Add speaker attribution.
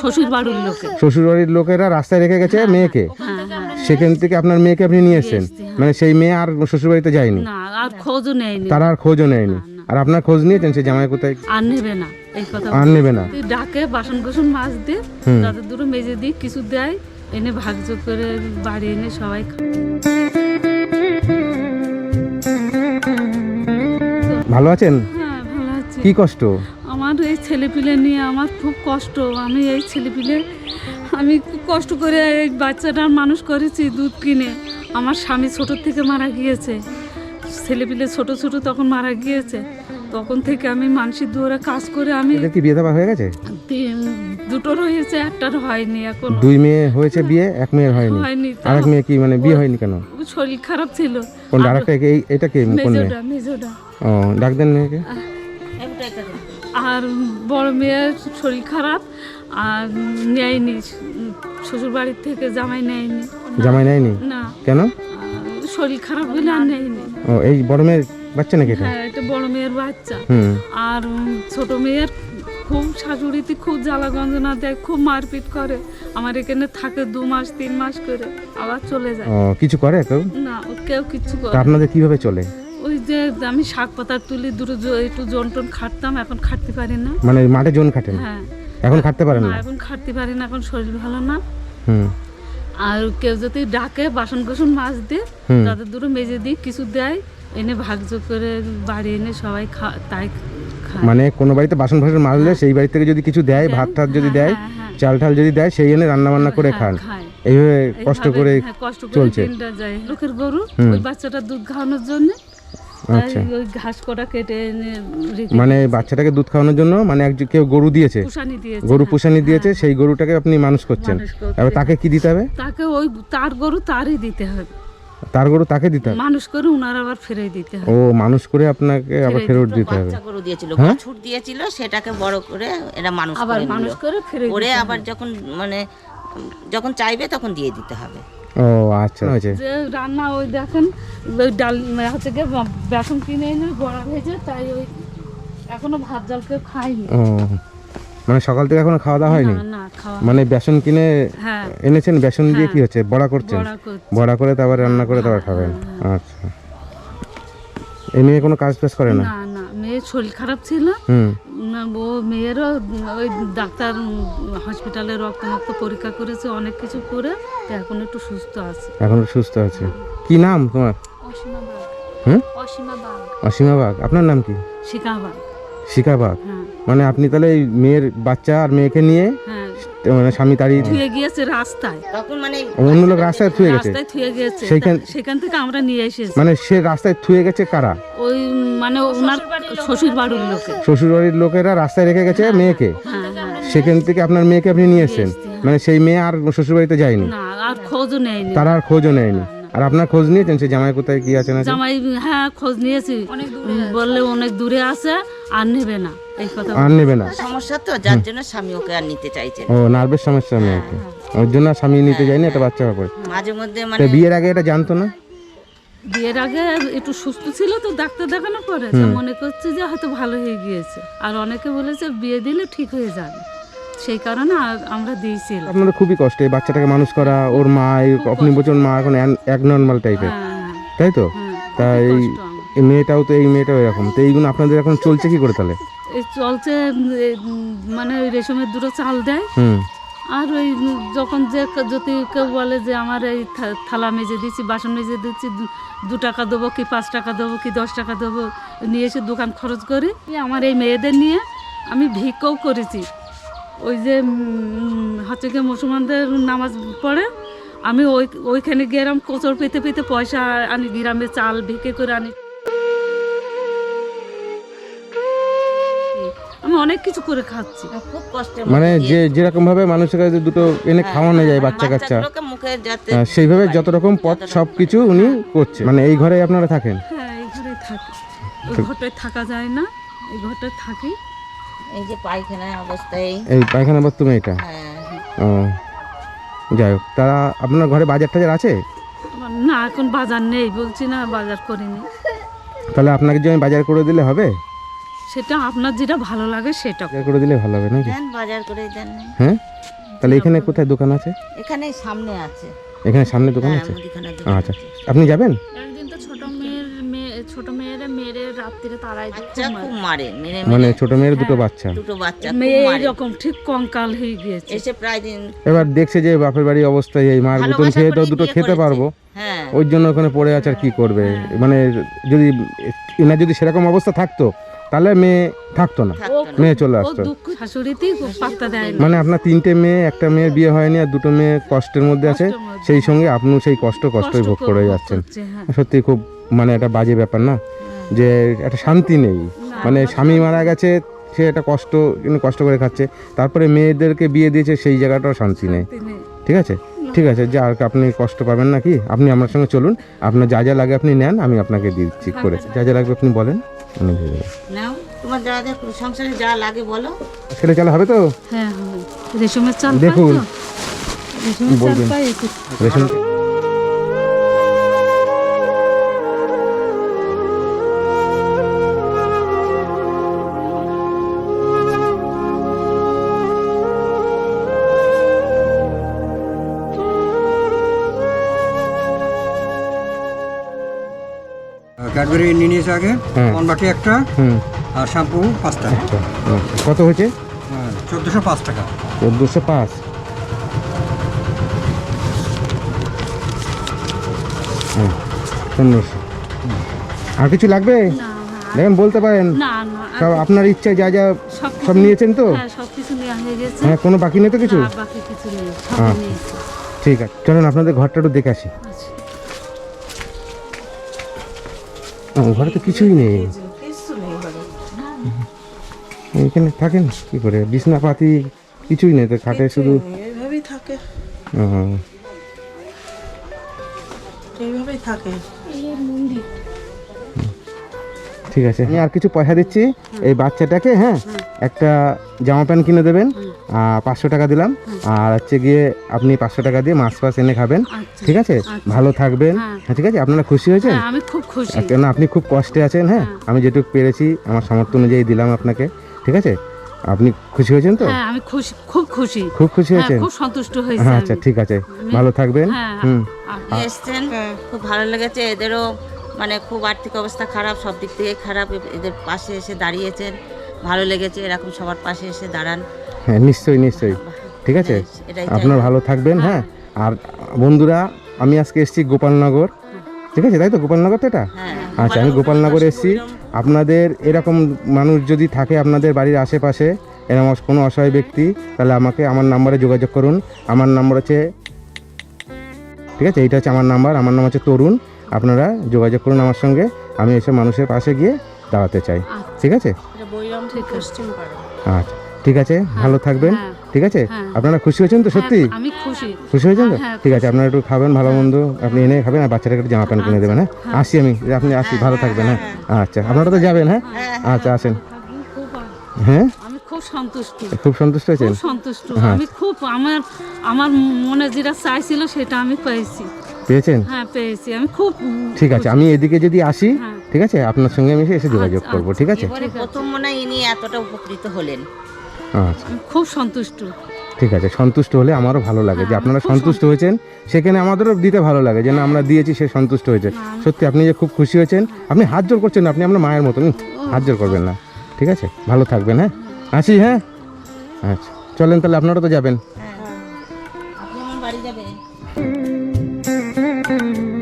Speaker 1: শ্বশুর বাড়ির লোকেরা রাস্তায় রেখে গেছে মেয়েকে, সেখান থেকে আপনার মেয়েকে আপনি নিয়ে এসেছেন, মানে সেই মেয়ে আর শ্বশুর বাড়িতে যায়নি, তারা আর খোঁজও নেয়নি। আর আপনার খোঁজ নিয়েছেন সে জামাই কোথায়?
Speaker 2: আর নেবে না, এই কথা
Speaker 1: আর নেবে না।
Speaker 2: ডাকে বাসন কোসন মাছ দিয়ে তাদের দুটো মেজে দিয়ে কিছু দেয়, এনে ভাগযোগ করে বাড়ি এনে সবাই
Speaker 1: ভালো আছেন?
Speaker 2: হ্যাঁ ভালো আছি।
Speaker 1: কি কষ্ট?
Speaker 2: আমার এই ছেলেপিলে নিয়ে আমার খুব কষ্ট। আমি এই ছেলেপিলে আমি খুব কষ্ট করে এই বাচ্চাটার মানুষ করেছি দুধ কিনে। আমার স্বামী ছোটোর থেকে মারা গিয়েছে, ছেলেপিলে ছোট ছোট তখন মারা গিয়েছে। তখন থেকে আমি মানসিক দুয়ারে কাজ করে আমি
Speaker 1: কি বিয়ে দেওয়া হয়ে গেছে?
Speaker 2: দুটোর হয়েছে, একটার হয়নি এখন।
Speaker 1: দুই মেয়ে হয়েছে বিয়ে, এক মেয়ের হয়নি। আর এক মেয়ে কি মানে বিয়ে হয়নি কেন?
Speaker 2: শরীর খারাপ ছিল।
Speaker 1: কোন আরেকটা এটা কি কোন মেয়ে?
Speaker 2: মেজোটা।
Speaker 1: ও ডাক দেন মেয়েকে।
Speaker 2: আর বড় মেয়ের শরীর খারাপ, আর নেয়নি শ্বশুর বাড়ির থেকে, জামাই নেয়নি।
Speaker 1: জামাই নেয়নি
Speaker 2: না
Speaker 1: কেন?
Speaker 2: শরীর খারাপ হলে আর নেয়নি।
Speaker 1: ও এই বড় মেয়ের বাচ্চা নাকি এটা?
Speaker 2: হ্যাঁ এটা বড় মেয়ের বাচ্চা। আর ছোট মেয়ের খুব শাশুড়িতে খুব জ্বালা গঞ্জনা দেয়, খুব মারপিট করে। আমার এখানে থাকে 2 মাস 3 মাস করে, আবার চলে যায়।
Speaker 1: ও কিছু করে কেউ?
Speaker 2: না কেউ কিছু করে।
Speaker 1: আপনাদের কিভাবে চলে?
Speaker 2: ওই যে আমি শাক পাতা তুলি, দুটো একটু জন টন খাটতাম, এখন খাটতে পারি না।
Speaker 1: মানে মাঠে জন খাটেন?
Speaker 2: হ্যাঁ
Speaker 1: এখন খাটতে পারেন না?
Speaker 2: এখন খাটতে পারি না, এখন শরীর ভালো না।
Speaker 1: হুম।
Speaker 2: আর কেউ যদি ডাকে বাসন কোসন মাছ দিয়ে তাদের দুটো মেজে দিয়ে কিছু দেয়, এনে ভাগযোগ করে বাড়ি এনে সবাই তাই খায়।
Speaker 1: মানে কোনো বাড়িতে বাসন ফাসন মাজলে সেই বাড়ি থেকে যদি কিছু দেয়, ভাত টাত যদি দেয়, চাল টাল যদি দেয়, সেই এনে রান্না বান্না করে খান। এইভাবে কষ্ট করে চলছে।
Speaker 2: লোকের গরু ওই বাচ্চাটা দুধ খাওয়ানোর জন্য
Speaker 1: আচ্ছা
Speaker 2: ওই ঘাস কটা কেটে এনে
Speaker 1: মানে বাচ্চাটাকে দুধ খাওয়ানোর জন্য মানে কেউ গরু দিয়েছে, গরু পুষানি দিয়েছে, সেই গরুটাকে আপনি মানুষ করছেন। এবার তাকে কি দিতে হবে?
Speaker 2: তাকে ওই তার গরু তারই দিতে হবে।
Speaker 1: তার গরু তাকে দিতে হবে?
Speaker 2: মানুষ করে উনার আবার ফেরত দিতে হবে।
Speaker 1: ও মানুষ করে আপনাকে আবার ফেরত দিতে হবে।
Speaker 3: বাচ্চা গরু দিয়েছিল, ছুট দিয়েছিল, সেটাকে বড় করে এরা মানুষ
Speaker 2: আবার মানুষ করে ফেরত
Speaker 3: করে আবার যখন মানে যখন চাইবে তখন দিয়ে দিতে হবে।
Speaker 1: ও আচ্ছা আচ্ছা।
Speaker 2: যে রান্না ওই দেখেন ওই ডাল হচ্ছে গিয়ে বেসন কিনে এনে বড়া ভেজে, তাই ওই এখনো ভাত জল কেউ খায়নি।
Speaker 1: ও মানে সকাল থেকে এখনো খাওয়া দাওয়া হয়নি?
Speaker 2: না খাওয়া।
Speaker 1: মানে বেসন কিনে এনেছেন, বেসন দিয়ে কি হচ্ছে? বড়া করছেন? বড়া করে তারপর রান্না করে তারপর খাবেন। আচ্ছা এই মেয়ে কোনো কাজ টাজ করে না?
Speaker 2: না না মেয়ের শরীর খারাপ ছিল না, ও মেয়েরও ওই ডাক্তার হসপিটালে রক্ত পরীক্ষা করেছে, অনেক কিছু করে এখন একটু সুস্থ আছে।
Speaker 1: এখন সুস্থ আছে। কি নাম তোমার?
Speaker 2: অসীমা বাগ। অসীমা বাগ।
Speaker 1: অসীমা বাগ। আপনার নাম কি?
Speaker 2: শিখা বাগ।
Speaker 1: শিখা বাগ। মানে আপনি তাহলে এই মেয়ের বাচ্চা আর মেয়েকে নিয়ে মানে স্বামী তাড়িয়ে
Speaker 2: থুয়ে গিয়েছে রাস্তায়,
Speaker 3: তখন মানে
Speaker 1: অন্য লোক রাস্তায় থুয়ে গেছে,
Speaker 2: রাস্তায় থুয়ে গিয়েছে, সেখান থেকে আমরা নিয়ে এসেছি।
Speaker 1: মানে সে রাস্তায় থুয়ে গেছে কারা?
Speaker 2: ওই মানে ওনার শ্বশুর বাড়ির লোকে,
Speaker 1: শ্বশুর বাড়ির লোকেরা রাস্তায় রেখে গেছে মেয়েকে, সেখান থেকে আপনার মেয়েকে আপনি নিয়ে এসেছেন, মানে সেই মেয়ে আর শ্বশুর বাড়িতে যায়নি,
Speaker 2: না আর খোঁজও নেয়নি,
Speaker 1: তারা আর খোঁজও নেয়নি। আর আপনার খোঁজ নিয়েছেন সে জামাই কোথায় কি আছে না?
Speaker 2: জামাই হ্যাঁ খোঁজ নিয়েছি, বললে অনেক দূরে আছে, আর নেবে না, এই কথা
Speaker 1: আর নেবে না।
Speaker 3: সমস্যা তো যার জন্য স্বামী ওকে আর নিতে চাইছে।
Speaker 1: ও নার্ভের সমস্যা মেয়েকে, ওর জন্য স্বামী নিতে যায়নি, একটা বাচ্চা হবে।
Speaker 3: মাঝে মধ্যে মানে
Speaker 1: বিয়ের আগে এটা জানতো না?
Speaker 2: বিয়ের আগে একটু সুস্থ ছিল তো, ডাক্তার দেখানো পরে মনে করছে যে হয়তো ভালো হয়ে গিয়েছে, আর অনেকে বলেছে বিয়ে দিলে ঠিক হয়ে যাবে, সেই কারণে আমরা দিয়েছিলাম।
Speaker 1: আপনাদের খুবই কষ্ট এই বাচ্চাটাকে মানুষ করা। ওর মা আপনি বলছেন মা এখন এক নর্মাল টাইপের, তাই তো? তাই এই মেয়েটাও তো, এই মেয়েটাও এরকম, তো এইগুলো আপনাদের এখন চলছে কি করে তাহলে?
Speaker 2: এই চলছে মানে ওই রেশমের দুটো চাল দেয়, আর ওই যখন যে যদি কেউ বলে যে আমার এই থালা মেজে দিচ্ছি, বাসন মেজে দিচ্ছি, 2 টাকা দেবো কি 5 টাকা দেবো কি 10 টাকা দেবো, নিয়ে এসে দোকান খরচ করি। আমার এই মেয়েদের নিয়ে আমি ভিক্ষাও করেছি। ওই যে হচ্ছে গিয়ে মুসলমানদের নামাজ পড়ে, আমি ওইখানে গিয়ে এরকম কোচর পেতে পেতে পয়সা আনি, গ্রামে চাল ভিক্ষে করে আনি, আমি অনেক কিছু করে খাচ্ছি,
Speaker 3: খুব কষ্ট।
Speaker 1: মানে যে যেরকম ভাবে মানুষের কাছে দুটো এনে খাওয়ানো যায় বাচ্চা কাচ্চা, সেইভাবে যত রকম পথ সবকিছু উনি করছে। মানে এই ঘরে আপনারা থাকেন?
Speaker 2: হ্যাঁ এই ঘরেই থাকি, ওই ঘরটায় থাকা যায় না, এই ঘরটায় থাকি।
Speaker 3: এই যে পায়খানা অবস্থায়,
Speaker 1: এই পায়খানা বাথরুম এটা? ও যাই হোক, তারা আপনার ঘরে বাজার টাজার আছে?
Speaker 2: না এখন বাজার নেই, বলছি না বাজার করিনি।
Speaker 1: তাহলে আপনাকে যদি আমি বাজার করে দিলে হবে?
Speaker 2: সেটা আপনার যেটা ভালো লাগে সেটা
Speaker 1: বাজার করে দিলে ভালো হবে নাকি?
Speaker 3: দেন, বাজার করে দেন।
Speaker 1: হ্যাঁ, তাহলে এখানে কোথায় দোকান আছে?
Speaker 3: এখানে সামনে আছে।
Speaker 1: এখানে সামনে দোকান
Speaker 3: হ্যাঁ,
Speaker 1: আছে?
Speaker 3: মুদিখানার দোকান
Speaker 1: আচ্ছা,
Speaker 3: আছে।
Speaker 1: আপনি যাবেন?
Speaker 2: একদিন তো ছোট মেয়েরা মেরে রাত্রিরে তারাই
Speaker 3: বাচ্চা খুব মারে, মেরে
Speaker 1: মানে
Speaker 3: মেরে
Speaker 1: ছোট মেয়ের দুটো বাচ্চা,
Speaker 3: দুটো বাচ্চা খুব
Speaker 2: মেয়ে
Speaker 3: মারে।
Speaker 2: এরকম ঠিক কঙ্কাল হয়ে গিয়েছে।
Speaker 3: এসে প্রায় দিন
Speaker 1: এবার দেখছে যে বাপের বাড়ির অবস্থায় এই মার গুতন
Speaker 3: ভালোবাসা
Speaker 1: খেয়ে তো
Speaker 3: করেই
Speaker 1: দুটো
Speaker 3: বিয়ে
Speaker 1: খেতে
Speaker 3: করেছে।
Speaker 1: পারবো,
Speaker 3: হ্যাঁ,
Speaker 1: ওই জন্য ওখানে পড়ে আছে আর কি করবে। মানে যদি এনার যদি সেরকম অবস্থা থাকতো তাহলে মেয়ে থাকতো না,
Speaker 3: থাকতো না।
Speaker 1: মেয়ে চলে
Speaker 2: ও
Speaker 1: আসতো।
Speaker 2: দুঃখ শাশুড়িতেই পাত্তা দেয় না।
Speaker 1: মানে আপনার 3টে মেয়ে, একটা মেয়ের বিয়ে হয়নি আর দুটো মেয়ে কষ্টের মধ্যে আছে,
Speaker 2: কষ্টের মধ্যে।
Speaker 1: সেই সঙ্গে আপনিও সেই কষ্টই ভোগ করে যাচ্ছেন।
Speaker 2: হচ্ছে, হ্যাঁ।
Speaker 1: সত্যি খুব মানে একটা বাজে ব্যাপার না, যে একটা শান্তি নেই। মানে স্বামী মারা গেছে, সে একটা কষ্ট করে খাচ্ছে, তারপরে মেয়েদেরকে বিয়ে দিয়েছে, সেই জায়গাটাও শান্তি নেই।
Speaker 2: তিনি
Speaker 1: ঠিক আছে, ঠিক আছে, যা আর আপনি কষ্ট পাবেন না কি, আপনি আমার সঙ্গে চলুন, আপনার যা যা লাগে আপনি নেন, আমি আপনাকে দিচ্ছি করে, যা যা লাগবে আপনি বলেন, আমি দিয়ে দেবো।
Speaker 3: নাও, তোমার যা যা সংসারে যা লাগে বলো।
Speaker 1: ছেলে চালা হবে তো?
Speaker 2: হ্যাঁ হবে। রেশমের চাল পাই
Speaker 1: দেখুন,
Speaker 2: তো? রেশমের চাল
Speaker 1: বলবেন।
Speaker 2: পাই
Speaker 1: রেশন
Speaker 4: ক্যাডবেরি নিয়ে নিয়েছে আগে,
Speaker 1: হ্যাঁ।
Speaker 4: মনবাটি একটা,
Speaker 1: হুম,
Speaker 4: আর শ্যাম্পু 5টা।
Speaker 1: আচ্ছা, কত হয়েছে?
Speaker 4: 1405 টাকা।
Speaker 1: 1405। হুম, 1500। আর কিছু লাগবে?
Speaker 2: না না
Speaker 1: দেখেন, বলতে পারেন।
Speaker 2: না না
Speaker 1: সব আপনার ইচ্ছায় যা যা
Speaker 2: সবকিছু-
Speaker 1: সব নিয়েছেন তো?
Speaker 2: হ্যাঁ সবকিছু নেওয়া হয়ে গেছে।
Speaker 1: হ্যাঁ, কোনো বাকি নেই তো কিছু?
Speaker 2: না, বাকি কিছু নেই, সবই
Speaker 1: হ্যাঁ।
Speaker 2: নিয়েছি।
Speaker 1: ঠিক আছে, চলুন আপনাদের ঘরটা একটু দেখে আসি।
Speaker 2: আচ্ছা।
Speaker 1: ঘরে তো কিছুই নেই, এখানে থাকেন কি করে? বিছনাপাতি কিছুই নেই তো, খাটে শুধু
Speaker 5: এইভাবেই থাকে,
Speaker 1: হুম,
Speaker 5: এইভাবেই থাকে।
Speaker 1: ঠিক আছে, আমি আর কিছু পয়সা দিচ্ছি এই বাচ্চাটাকে, হ্যাঁ, একটা জামা প্যান্ট কিনে দেবেন, 500 টাকা দিলাম, আর হচ্ছে গিয়ে আপনি 500 টাকা দিয়ে মাছ ফাছ এনে খাবেন,
Speaker 2: আচ্ছা।
Speaker 1: ঠিক আছে? ভালো থাকবেন,
Speaker 2: হ্যাঁ।
Speaker 1: হ্যাঁ, ঠিক আছে? আপনারা খুশি হয়েছেন?
Speaker 2: হ্যাঁ, আমি খুব খুশি।
Speaker 1: কেন আপনি খুব কষ্টে আছেন, হ্যাঁ, আমি যেটুকু পেরেছি আমার সামর্থ্য অনুযায়ী দিলাম আপনাকে, ঠিক আছে? আপনি খুশি হয়েছেন তো?
Speaker 2: হ্যাঁ আমি খুশি, খুব খুশি।
Speaker 1: খুব খুশি
Speaker 2: হ্যাঁ,
Speaker 1: হয়েছেন?
Speaker 2: খুব সন্তুষ্ট হয়েছি
Speaker 1: হ্যাঁ,
Speaker 2: আমি।
Speaker 1: আচ্ছা, ঠিক আছে, ভালো থাকবেন।
Speaker 2: হ্যাঁ,
Speaker 1: হুম,
Speaker 3: আপনি এসছেন, খুব ভালো লেগেছে। এদেরও মানে খুব আর্থিক অবস্থা খারাপ, সব দিক থেকে খারাপ, এদের পাশে এসে দাঁড়িয়েছেন, ভালো লেগেছে। এরকম সবার পাশে এসে দাঁড়ান।
Speaker 1: হ্যাঁ, নিশ্চয়ই নিশ্চয়ই, ঠিক আছে?
Speaker 3: এটাই
Speaker 1: আপনার ভালো থাকবেন, হ্যাঁ। আর বন্ধুরা, আমি আজকে এসেছি গোপালনগর, ঠিক আছে? তাই তো, গোপালনগর তো এটা?
Speaker 3: হ্যাঁ,
Speaker 1: আচ্ছা, আমি গোপালনগর এসেছি। আপনাদের এরকম মানুষ যদি থাকে আপনাদের বাড়ির আশেপাশে, এরকম কোনো অসহায় ব্যক্তি, তাহলে আমাকে আমার নাম্বারে যোগাযোগ করুন। আমার নাম্বার হচ্ছে, ঠিক আছে, এইটা হচ্ছে আমার নাম্বার, আমার নাম হচ্ছে তরুণ। আপনারা যোগাযোগ করুন আমার সঙ্গে, আমি এসব মানুষের পাশে গিয়ে দাঁড়াতে চাই, ঠিক আছে?
Speaker 5: এটা বৈরামপুর পশ্চিম পাড়া।
Speaker 1: আচ্ছা, ঠিক আছে, ভালো থাকবেন,
Speaker 2: হ্যাঁ।
Speaker 1: ঠিক আছে?
Speaker 2: হ্যাঁ।
Speaker 1: আপনারা খুশি হয়েছেন তো সত্যি?
Speaker 2: হ্যাঁ, আমি খুশি।
Speaker 1: খুশি হয়েছেন তো?
Speaker 2: হ্যাঁ,
Speaker 1: ঠিক আছে, আপনারা একটু খাবেন ভালো মন্দ, আপনি এনে খাবেন, আর বাচ্চাটাকে একটু জামা প্যান্ট কিনে দেবেন, হ্যাঁ? আসি আমি, আপনি আসি, ভালো থাকবেন, হ্যাঁ? আচ্ছা, আপনারা তো যাবেন, হ্যাঁ? আচ্ছা, আসেন। হ্যাঁ,
Speaker 2: আমি খুব সন্তুষ্ট,
Speaker 1: খুব সন্তুষ্ট হয়েছেন?
Speaker 2: খুব সন্তুষ্ট। আমি খুব আমার মনে যেটা চাইছিল সেটা আমি পেয়েছি।
Speaker 1: পেয়েছেন?
Speaker 2: হ্যাঁ পেয়েছি, আমি খুব
Speaker 1: ঠিক আছে, আমি এদিকে যদি আসি,
Speaker 2: হ্যাঁ।
Speaker 1: ঠিক আছে, আপনার সঙ্গে আমি এসে যোগাযোগ
Speaker 2: আচ্ছা,
Speaker 1: করবো, ঠিক আছে?
Speaker 3: এবারে প্রথম মনে হয় ইনি এতটা উপকৃত হলেন।
Speaker 1: আচ্ছা,
Speaker 2: আমি খুব সন্তুষ্ট।
Speaker 1: ঠিক আছে, সন্তুষ্ট হলে আমারও ভালো লাগে যে
Speaker 2: হ্যাঁ,
Speaker 1: আপনারা
Speaker 2: খুব
Speaker 1: সন্তুষ্ট হয়েছেন, সেখানে আমাদেরও দিতে ভালো লাগে যে না, আমরা দিয়েছি, সে সন্তুষ্ট হয়েছে। সত্যি আপনি যে খুব খুশি হয়েছেন, আপনি হাত জোর করছেন না, আপনি আপনার মায়ের মতন, হাত জোর করবেন না, ঠিক আছে? ভালো থাকবেন, হ্যাঁ? আসি, হ্যাঁ? আচ্ছা, চলেন তাহলে, আপনারা তো যাবেন।
Speaker 3: আপনি আমার বাড়ি যাবেন।